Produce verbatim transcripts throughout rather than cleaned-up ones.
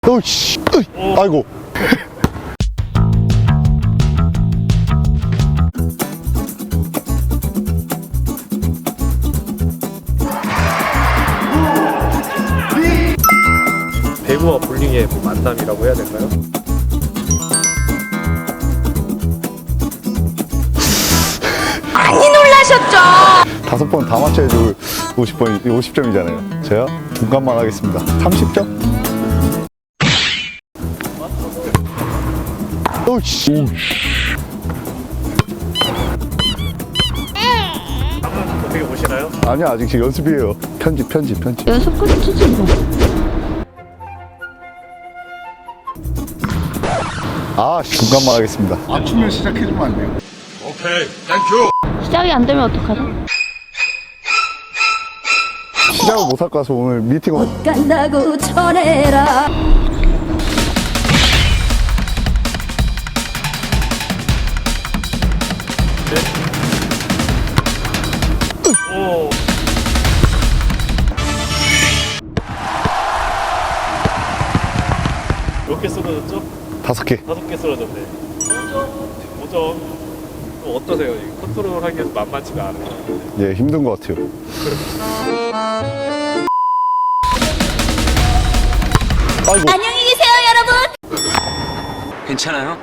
어이씨, 어이. 아이고. 배구와 볼링의 뭐 만남이라고 해야 될까요? 많이 놀라셨죠? 다섯 번 다 맞춰야지 오십 번, 오십 점이잖아요. 제가 중간만 하겠습니다. 삼십 점? 어이씨. 어떻게 보시나요? 아니야, 아직 지금 연습이에요. 편집, 편집, 편집. 연습 끝이지 뭐. 아, 중간만 하겠습니다. 맞추면 시작해주면 안 돼요? 시작이 안 되면 어떡하죠? 시작을 못 할 거라서 오늘 미팅 온. 간다고 전해라. 오. 몇 개 쓰러졌죠? 다섯 개. 다섯 개 쓰러졌네. 오 점. 어떠세요? 이 컨트롤 하기가 만만치가 않은 것 같은데. 예, 힘든 것 같아요. 아이고. 안녕히 계세요, 여러분. 괜찮아요?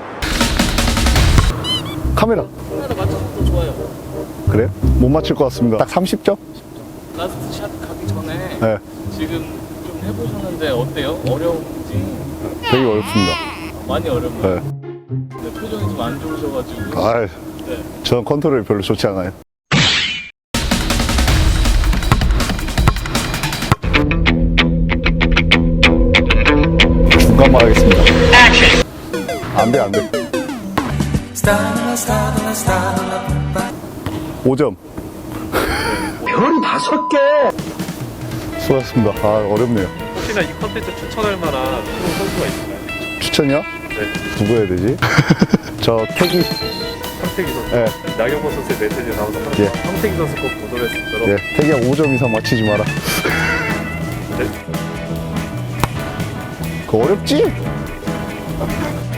카메라. 카메라 맞춰서 또 좋아요. 그래요? 못 맞출 것 같습니다. 딱 삼십 점? 라스트 샷 가기 전에 네. 지금 좀 해보셨는데 어때요? 어려운지 되게 어렵습니다. 많이 어렵나요? 네. 네, 표정이 좀 안 좋으셔가지고 아, 네. 저는 컨트롤이 별로 좋지 않아요. 중간만 하겠습니다. 안 돼, 안 돼. 오 점. 별 다섯 개! 수고하셨습니다. 아, 어렵네요. 혹시나 이 컨텐츠 추천할 만한 프로 선수가 있나요? 추천이요? 네. 누구 해야 되지? 저 태기. 황태기 선수. 네. 나경원 선수의 메시지 나와서 항상 예. 황태기 선수 꼭 보도를 수 있도록. 예, 태기야 오 점 이상 맞히지 마라. 네. 그거 어렵지?